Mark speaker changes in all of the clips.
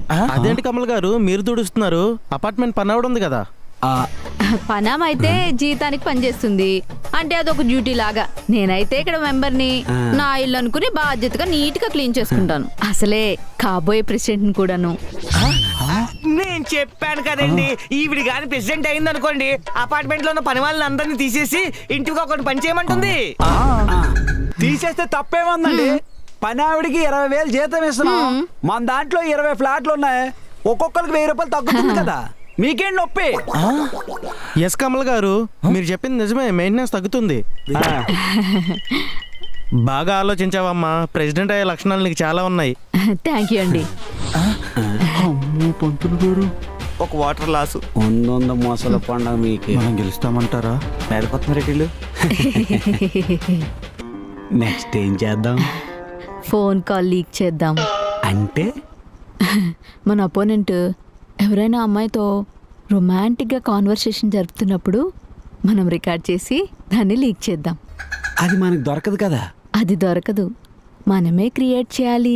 Speaker 1: అదేంటి కమల్ గారు మీరు తుడుస్తున్నారు? అపార్ట్మెంట్ పని ఉంది కదా.
Speaker 2: పనామ అయితే జీతానికి పనిచేస్తుంది అంటే అదొక డ్యూటీ లాగా. నేనైతే ఇక్కడ మెంబర్ని, నా ఇల్లు అనుకుని బాధ్యతగా నీట్ గా క్లీన్ చేసుకుంటాను. అసలే కాబోయే ప్రెసిడెంట్ కూడాను.
Speaker 3: నేను చెప్పాను కదండి, ఈవిడి గాని ప్రెసిడెంట్ అయింది అనుకోండి, అపార్ట్మెంట్ లో ఉన్న పని వాళ్ళని అందరినీ తీసేసి ఇంటికి ఒకటి పని చేయమంటుంది.
Speaker 4: తీసేస్తే తప్పేముందండి? పని ఆవిడికి 20,000 జీతం ఇస్తున్నాం. మన దాంట్లో 20 ఫ్లాట్లు ఉన్నాయి, ఒక్కొక్కరికి 1000 రూపాయలు తగ్గుతుంది కదా. మీకేం నొప్పి?
Speaker 1: ఎస్ కమల్ గారు మీరు చెప్పింది నిజమే, మెయింటెనెన్స్ తగ్గుతుంది. బాగా ఆలోచించావమ్మా. ప్రెసిడెంట్ అయ్యే లక్షణాలు నీకు చాలా ఉన్నాయి.
Speaker 2: థ్యాంక్ యూ అండి.
Speaker 1: పంతులు గారు
Speaker 3: ఒక వాటర్ లాసు.
Speaker 4: ఉంద మోసల పండుగ మీకు.
Speaker 1: మనం గెలుస్తామంటారా?
Speaker 3: మేరకొత్తమరెడ్డిలు.
Speaker 4: నెక్స్ట్ ఏం చేద్దాం?
Speaker 2: ఫోన్ కాల్ లీక్ చేద్దాం.
Speaker 4: అంటే
Speaker 2: మన అపోనెంట్ ఎవరైనా అమ్మాయితో రొమాంటిక్గా కాన్వర్సేషన్ జరుపుతున్నప్పుడు మనం రికార్డ్ చేసి దాన్ని లీక్ చేద్దాం.
Speaker 4: అది మనకు దొరకదు కదా.
Speaker 2: అది దొరకదు, మనమే క్రియేట్ చేయాలి.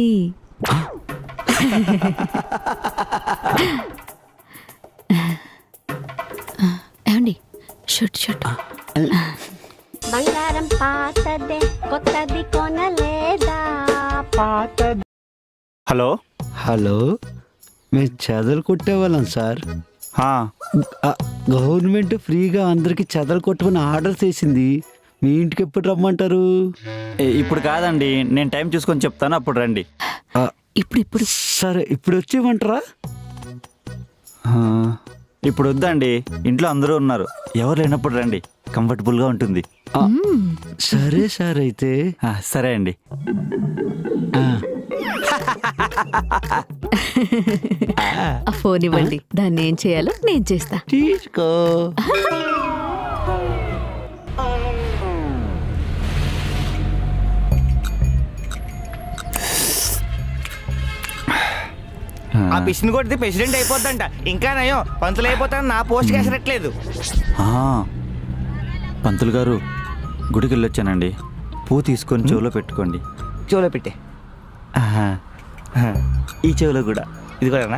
Speaker 2: ఏమండి, షూట్ షూట్.
Speaker 5: బంగారం పాతదే కొత్తది కొనలేదా పాతది.
Speaker 3: హలో
Speaker 4: హలో, మేము చెదలు కొట్టేవాళ్ళం సార్. గవర్నమెంట్ ఫ్రీగా అందరికి చెదలు కొట్టమని ఆర్డర్ చేసింది. మీ ఇంటికి ఎప్పుడు రమ్మంటారు?
Speaker 6: ఇప్పుడు కాదండి, నేను టైం చూసుకొని చెప్తాను, అప్పుడు రండి.
Speaker 2: ఇప్పుడు
Speaker 4: సరే, ఇప్పుడు వచ్చేయమంటారా?
Speaker 6: ఇప్పుడు వద్దండి, ఇంట్లో అందరూ ఉన్నారు, ఎవరు లేనప్పుడు రండి, కంఫర్టబుల్గా ఉంటుంది.
Speaker 4: సరే సార్, అయితే
Speaker 6: సరే అండి.
Speaker 2: ఆ ఫోన్ ఇవ్వండి, దాన్ని ఏం చేయాలో నేను చేస్తా.
Speaker 4: తీసుకో.
Speaker 3: ఆ పిసిని కొడితే ప్రెసిడెంట్ అయిపోద్దంట. ఇంకా నయం, పంతులు అయిపోతాను నా పోస్ట్ కేసరట్లేదు.
Speaker 6: పంతులు గారు, గుడికి వెళ్ళొచ్చానండి, పూ తీసుకొని చెవిలో పెట్టుకోండి.
Speaker 3: చెవులో పెట్టే.
Speaker 6: ఈ చెవిలో కూడా.
Speaker 3: ఇది కూడానా?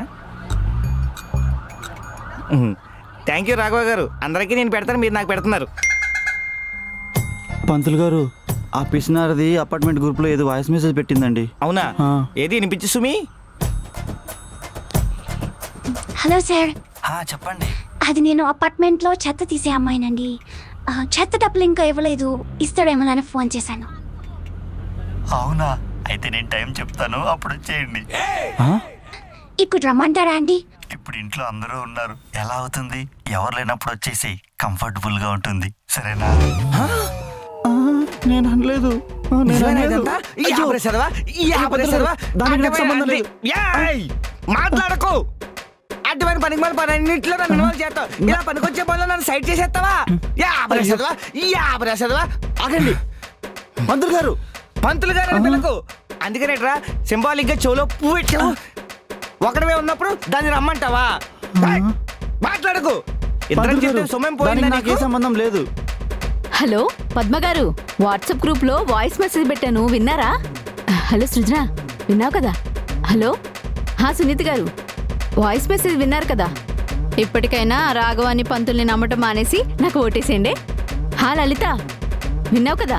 Speaker 3: థ్యాంక్ యూ రాఘవ గారు, అందరికీ నేను పెడతాను, మీరు నాకు పెడుతున్నారు.
Speaker 6: పంతులు గారు, ఆ పిసినారది అపార్ట్మెంట్ గ్రూప్లో ఏదో వాయిస్ మెసేజ్ పెట్టిందండి.
Speaker 3: అవునా? ఏది వినిపించు సుమి.
Speaker 5: హలో సార్,
Speaker 6: చెప్పండి.
Speaker 5: అది నేను అపార్ట్మెంట్ లో చెత్త తీసే అమ్మాయినండి. చెత్త డబ్బులు ఇంకా ఇవ్వలేదు, ఇస్తాడేమో అని ఫోన్ చేశాను.
Speaker 6: అవునా? అయితే నేను టైం చెప్తాను, అప్పుడు వచ్చేయండి.
Speaker 5: ఇప్పుడు రమ్మంటారా అండి?
Speaker 6: ఇప్పుడు ఇంట్లో అందరూ ఉన్నారు, ఎలా అవుతుంది? ఎవరు లేనప్పుడు వచ్చేసి కంఫర్టబుల్ గా ఉంటుంది, సరేనా?
Speaker 1: నేను అనలేదు.
Speaker 3: మాట్లాడకు. అటువంటి పనికి మన పని అన్నింటిలో నన్ను ఇన్వాల్వ్ చేస్తావు. ఇలా పనికొచ్చే పనిలో నన్ను సైడ్ చేసేస్తావా? ఆగండి పంతులు గారు, పంతులు గారు అని పిల్లకు. అందుకనేట్రా సింబాలిక్ గా చెవులో పువ్వు పెట్టావు. ఒకడమే ఉన్నప్పుడు దాన్ని రమ్మంటావా? మాట్లాడకు. ఇద్దరం చెప్తే సొమ్మేం పోయింది,
Speaker 6: నాకే సంబంధం లేదు.
Speaker 2: హలో పద్మ గారు, వాట్సాప్ గ్రూప్ లో వాయిస్ మెసేజ్ పెట్టాను, విన్నారా? హలో సృజన, విన్నావు కదా? హలో సునీత గారు, వాయిస్ మెసేజ్ విన్నారు కదా? ఇప్పటికైనా రాఘవాన్ని పంతుల్ని నమ్మటం మానేసి నాకు ఓటేసేయండి. లలిత, విన్నావు కదా?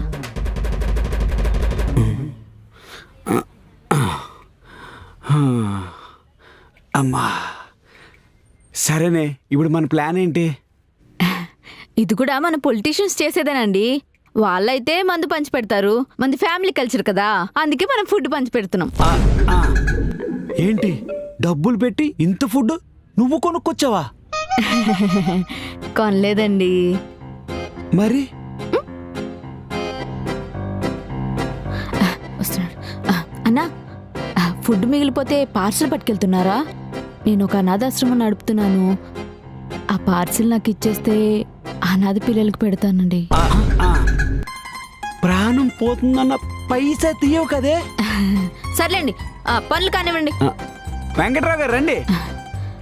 Speaker 4: అమ్మా, సరేనే, ఇప్పుడు మన ప్లాన్ ఏంటి?
Speaker 2: ఇది కూడా మన పొలిటీషియన్స్ చేసేదేనండి. వాళ్ళైతే మందు పంచి పెడతారు, మంది ఫ్యామిలీ కల్చర్ కదా, అందుకే మనం ఫుడ్ పంచి పెడుతున్నాం.
Speaker 4: ఏంటి, డబ్బులు పెట్టి ఇంత ఫుడ్ నువ్వు కొనుక్కొచ్చావా?
Speaker 2: కొనలేదండి.
Speaker 4: మరి
Speaker 2: వస్తున్నాడు. అన్నా, ఫుడ్ మిగిలిపోతే పార్సల్ పట్టుకెళ్తున్నారా? నేను ఒక అనాథాశ్రమం నడుపుతున్నాను, ఆ పార్సిల్ నాకు ఇచ్చేస్తే అనాథ పిల్లలకు పెడతానండి.
Speaker 4: ప్రాణం పోతుందన్న పైసా తీయవు కదే.
Speaker 2: సర్లేండి, పనులు కానివ్వండి.
Speaker 4: వెంకట్రావు గారు రండి.